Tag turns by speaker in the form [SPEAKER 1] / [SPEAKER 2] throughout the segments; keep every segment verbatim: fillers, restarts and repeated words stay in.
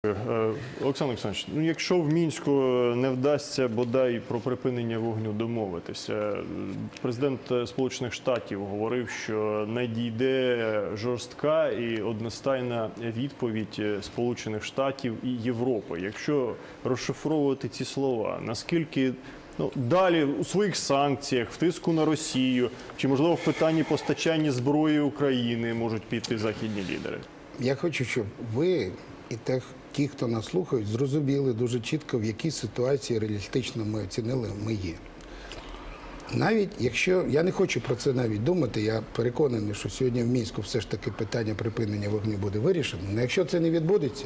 [SPEAKER 1] Олександр Олександрович, ну якщо в Мінську не вдасться бодай про припинення вогню домовитися, президент Сполучених Штатів говорив, що надійде жорстка і одностайна відповідь Сполучених Штатів і Європи. Якщо розшифровувати ці слова, наскільки ну, далі у своїх санкціях, в тиску на Росію, чи можливо в питанні постачання зброї України можуть піти західні лідери?
[SPEAKER 2] Я хочу, щоб ви і те, ті, хто нас слухають, зрозуміли дуже чітко, в якій ситуації реалістично ми оцінили, ми є. Навіть якщо, я не хочу про це навіть думати, я переконаний, що сьогодні в Мінську все ж таки питання припинення вогню буде вирішено. Але якщо це не відбудеться,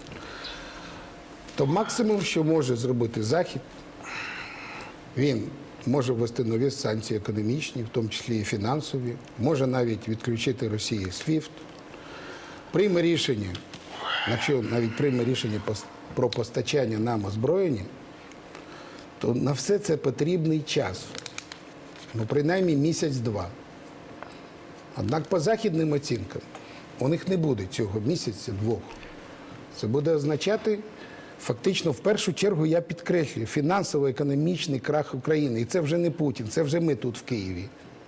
[SPEAKER 2] то максимум, що може зробити Захід, він може ввести нові санкції економічні, в тому числі і фінансові, може навіть відключити Росії свіфт, прийме рішення, якщо навіть прийме рішення про постачання нам озброєння, то на все це потрібний час. Ну, принаймні місяць-два. Однак по західним оцінкам у них не буде цього місяця-двох. Це буде означати, фактично, в першу чергу, я підкреслюю, фінансово-економічний крах України. І це вже не Путін, це вже ми тут в Києві.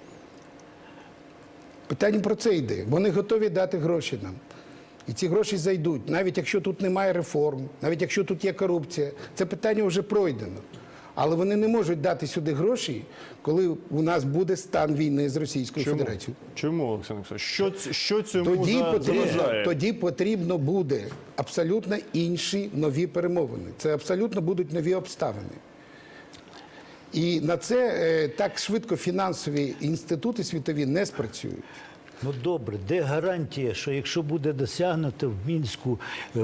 [SPEAKER 2] Питання про це йде. Вони готові дати гроші нам. І ці гроші зайдуть, навіть якщо тут немає реформ, навіть якщо тут є корупція. Це питання вже пройдено. Але вони не можуть дати сюди гроші, коли у нас буде стан війни з Російською
[SPEAKER 1] Чому?
[SPEAKER 2] Федерацією.
[SPEAKER 1] Чому, Олександр Олександрович? Що, що цьому
[SPEAKER 2] Тоді
[SPEAKER 1] заважає?
[SPEAKER 2] потрібно, тоді потрібно буде абсолютно інші нові перемовини. Це абсолютно будуть нові обставини. І на це е, так швидко фінансові інститути світові не спрацюють.
[SPEAKER 3] Ну добре, де гарантія, що якщо буде досягнуто в Мінську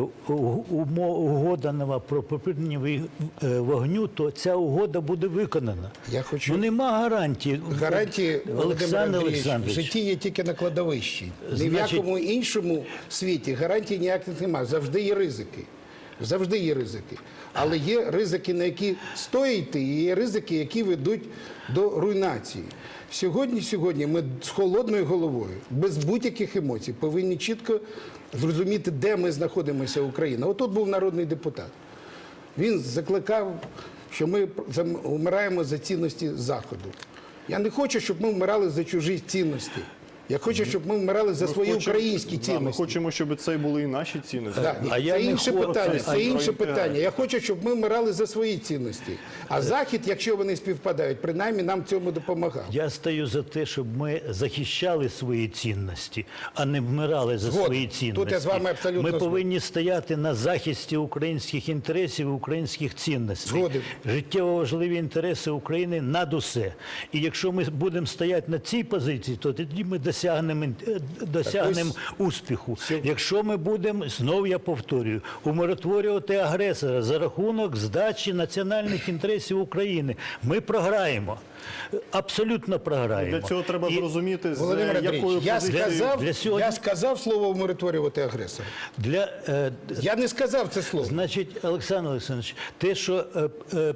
[SPEAKER 3] угода нова про припинення вогню, то ця угода буде виконана?
[SPEAKER 2] Я хочу...
[SPEAKER 3] Ну нема гарантії.
[SPEAKER 2] Гарантії,
[SPEAKER 3] Олександр Олександрович,
[SPEAKER 2] в житті є тільки на кладовищі. Ні
[SPEAKER 3] Значить...
[SPEAKER 2] в якому іншому світі гарантій ніяких немає. Завжди є ризики. Завжди є ризики. Але є ризики, на які стоїть йти, і є ризики, які ведуть до руйнації. Сьогодні, сьогодні ми з холодною головою, без будь-яких емоцій, повинні чітко зрозуміти, де ми знаходимося, Україна. Отут був народний депутат. Він закликав, що ми вмираємо за цінності Заходу. Я не хочу, щоб ми вмирали за чужі цінності. Я хочу, щоб ми вмирали за
[SPEAKER 1] ми
[SPEAKER 2] свої
[SPEAKER 1] хочемо,
[SPEAKER 2] українські цінності.
[SPEAKER 1] Да, ми хочемо, щоб це були і наші цінності.
[SPEAKER 2] Да,
[SPEAKER 3] а
[SPEAKER 2] це
[SPEAKER 3] я
[SPEAKER 2] інше
[SPEAKER 3] не
[SPEAKER 2] питання.
[SPEAKER 3] хочу,
[SPEAKER 2] Це інше питання. Я хочу, щоб ми вмирали за свої цінності. А Захід, якщо вони співпадають, принаймні нам цьому допомагав.
[SPEAKER 3] Я стою за те, щоб ми захищали свої цінності, а не вмирали за
[SPEAKER 2] Згоден.
[SPEAKER 3] свої цінності.
[SPEAKER 2] Тут я з вами абсолютно
[SPEAKER 3] Ми
[SPEAKER 2] згоден.
[SPEAKER 3] повинні стояти на захисті українських інтересів і українських цінностей.
[SPEAKER 2] Згоден.
[SPEAKER 3] Життєво важливі інтереси України над усе. І якщо ми будемо стояти на цій позиції, то тоді ми досягнемо досягнемо успіху. Якщо ми будемо, знову я повторюю, умиротворювати агресора за рахунок здачі національних інтересів України, ми програємо. Абсолютно програємо.
[SPEAKER 1] Для цього треба
[SPEAKER 3] І...
[SPEAKER 1] зрозуміти, з
[SPEAKER 2] Володимир
[SPEAKER 1] якою
[SPEAKER 2] Андрійович, я
[SPEAKER 1] позицією...
[SPEAKER 2] сказав,
[SPEAKER 3] для сьогодні...
[SPEAKER 2] я сказав слово «умиротворювати агресора».
[SPEAKER 3] Для, е...
[SPEAKER 2] Я не сказав це слово.
[SPEAKER 3] Значить, Олександр Олександрович, те, що, е, е,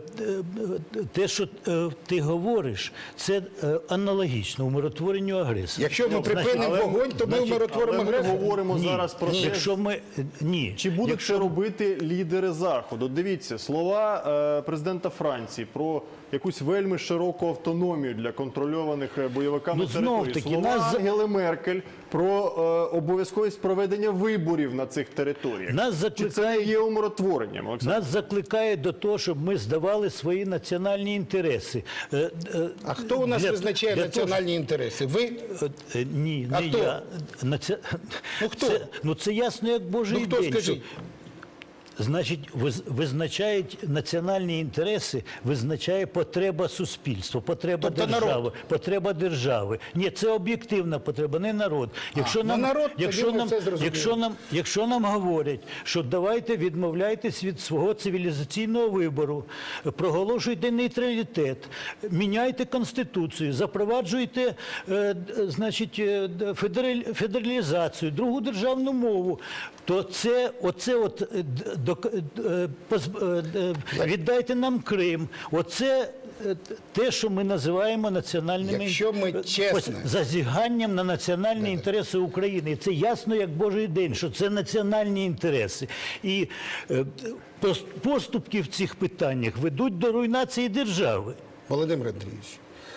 [SPEAKER 3] те, що е, ти говориш, це е, аналогічно умиротворенню агресора.
[SPEAKER 2] Якщо ми припинимо
[SPEAKER 1] але-
[SPEAKER 2] вогонь, то ми
[SPEAKER 3] значить,
[SPEAKER 2] умиротворимо
[SPEAKER 1] Але ми
[SPEAKER 2] агресора.
[SPEAKER 1] говоримо
[SPEAKER 3] Ні.
[SPEAKER 1] зараз про те,
[SPEAKER 3] Якщо ми... Ні.
[SPEAKER 1] чи будуть
[SPEAKER 3] Якщо...
[SPEAKER 1] це робити лідери Заходу. Дивіться, слова е, президента Франції про якусь вельми широку автономію для контрольованих бойовиками
[SPEAKER 3] Ну, знов
[SPEAKER 1] територій.
[SPEAKER 3] таки,
[SPEAKER 1] Слова
[SPEAKER 3] нас...
[SPEAKER 1] Ангели Меркель про е, обов'язковість проведення виборів на цих територіях.
[SPEAKER 3] Нас
[SPEAKER 1] Чи
[SPEAKER 3] закликає...
[SPEAKER 1] це не є умиротворенням, Олександр?
[SPEAKER 3] Нас закликає до того, щоб ми здавали свої національні інтереси. Е, е,
[SPEAKER 2] А хто у нас
[SPEAKER 3] для-
[SPEAKER 2] визначає
[SPEAKER 3] для
[SPEAKER 2] національні інтереси? Ви?
[SPEAKER 3] Того, е, е, ні,
[SPEAKER 2] А
[SPEAKER 3] не
[SPEAKER 2] хто?
[SPEAKER 3] я. Наці...
[SPEAKER 2] Ну, хто?
[SPEAKER 3] Це, ну це ясно, як Божий
[SPEAKER 2] Ну, хто,
[SPEAKER 3] день.
[SPEAKER 2] скажіть?
[SPEAKER 3] що- Значить, виз- визначають національні інтереси, визначає потреба суспільства, потреба
[SPEAKER 2] Тобто
[SPEAKER 3] держави,
[SPEAKER 2] народ?
[SPEAKER 3] потреба держави. Ні, це об'єктивна потреба, не народ. Якщо
[SPEAKER 2] ну
[SPEAKER 3] нам,
[SPEAKER 2] народ, тоді
[SPEAKER 3] якщо
[SPEAKER 2] ми
[SPEAKER 3] нам,
[SPEAKER 2] все зрозуміли.
[SPEAKER 3] якщо нам, якщо нам говорять, що давайте відмовляйтесь від свого цивілізаційного вибору, проголошуйте нейтралітет, міняйте конституцію, запроваджуйте, е, д- значить, е, д- федераль- федералізацію, другу державну мову, то це, оце от е, д- до, е, поз- е, е, віддайте нам Крим. Оце е, те, що ми називаємо національними
[SPEAKER 2] Якщо ми
[SPEAKER 3] е,
[SPEAKER 2] чесно-
[SPEAKER 3] ось зазіганням на національні інтереси України. І це ясно, як Божий день, що це національні інтереси. І е, пос- поступки в цих питаннях ведуть до руйнації держави.
[SPEAKER 2] Володимир Андрійович,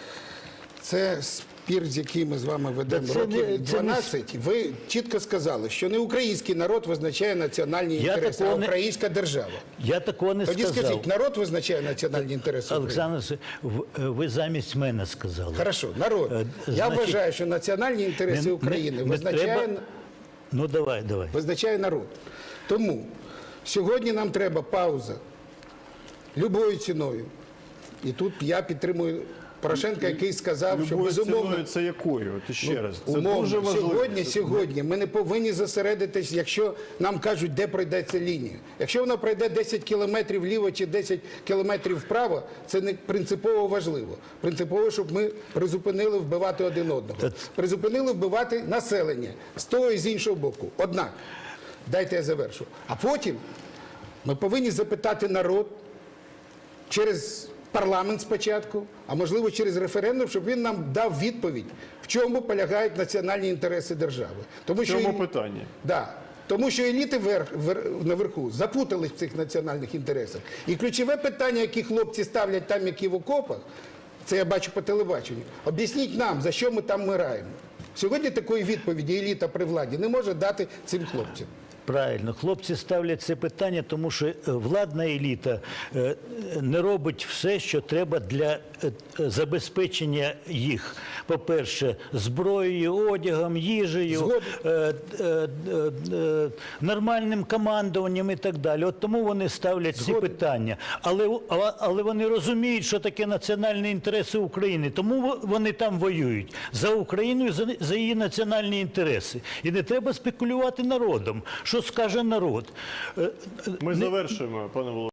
[SPEAKER 2] це спір, з яким ми з вами ведемо
[SPEAKER 3] Та це
[SPEAKER 2] років
[SPEAKER 3] не- це не
[SPEAKER 2] дванадцять. Ви чітко сказали, що не український народ визначає національні
[SPEAKER 3] Я
[SPEAKER 2] інтереси, а
[SPEAKER 3] такого не-
[SPEAKER 2] українська держава.
[SPEAKER 3] Я такого не
[SPEAKER 2] Тоді
[SPEAKER 3] сказав.
[SPEAKER 2] скажіть, народ визначає національні інтереси України?
[SPEAKER 3] Олександр, Васильович, в- ви замість мене сказали.
[SPEAKER 2] Хорошо, народ.
[SPEAKER 3] Е,
[SPEAKER 2] Я
[SPEAKER 3] значить,
[SPEAKER 2] вважаю, що національні інтереси
[SPEAKER 3] не-
[SPEAKER 2] України
[SPEAKER 3] не- не
[SPEAKER 2] визначає,
[SPEAKER 3] треба- Ну, давай, давай.
[SPEAKER 2] визначає народ. Тому сьогодні нам треба пауза любою ціною. І тут я підтримую Порошенка, який сказав, що
[SPEAKER 1] Любою
[SPEAKER 2] безумовно...
[SPEAKER 1] ціною це якою? От ще раз. Це
[SPEAKER 2] Умовно,
[SPEAKER 1] дуже важливо.
[SPEAKER 2] сьогодні,
[SPEAKER 1] Це-
[SPEAKER 2] сьогодні ми не повинні зосередитись, якщо нам кажуть, де пройде ця лінія. Якщо вона пройде десять кілометрів вліво чи десять кілометрів вправо, це не принципово важливо. Принципово, щоб ми призупинили вбивати один одного.
[SPEAKER 3] Та-
[SPEAKER 2] Призупинили вбивати населення з того і з іншого боку. Однак, дайте я завершу. А потім ми повинні запитати народ через парламент спочатку, а можливо через референдум, щоб він нам дав відповідь, в чому полягають національні інтереси держави. Тому
[SPEAKER 1] В цьому
[SPEAKER 2] що,
[SPEAKER 1] питанні.
[SPEAKER 2] да, тому що еліти вер, вер, наверху запутались в цих національних інтересах. І ключове питання, які хлопці ставлять там, які в окопах, це я бачу по телебаченню, об'ясніть нам, за що ми там вмираємо. Сьогодні такої відповіді еліта при владі не може дати цим хлопцям.
[SPEAKER 3] Правильно, хлопці ставлять це питання, тому що е, владна еліта е, не робить все, що треба для е, е, забезпечення їх. По-перше, зброєю, одягом, їжею,
[SPEAKER 2] Згоден.
[SPEAKER 3] е, е, е, е, нормальним командуванням і так далі. От тому вони ставлять ці
[SPEAKER 2] Згоден.
[SPEAKER 3] питання. Але, а- але вони розуміють, що таке національні інтереси України. Тому во- вони там воюють за Україну і за, за її національні інтереси. І не треба спекулювати народом. Що скаже народ? Е,
[SPEAKER 1] Ми завершуємо, пане Володимире.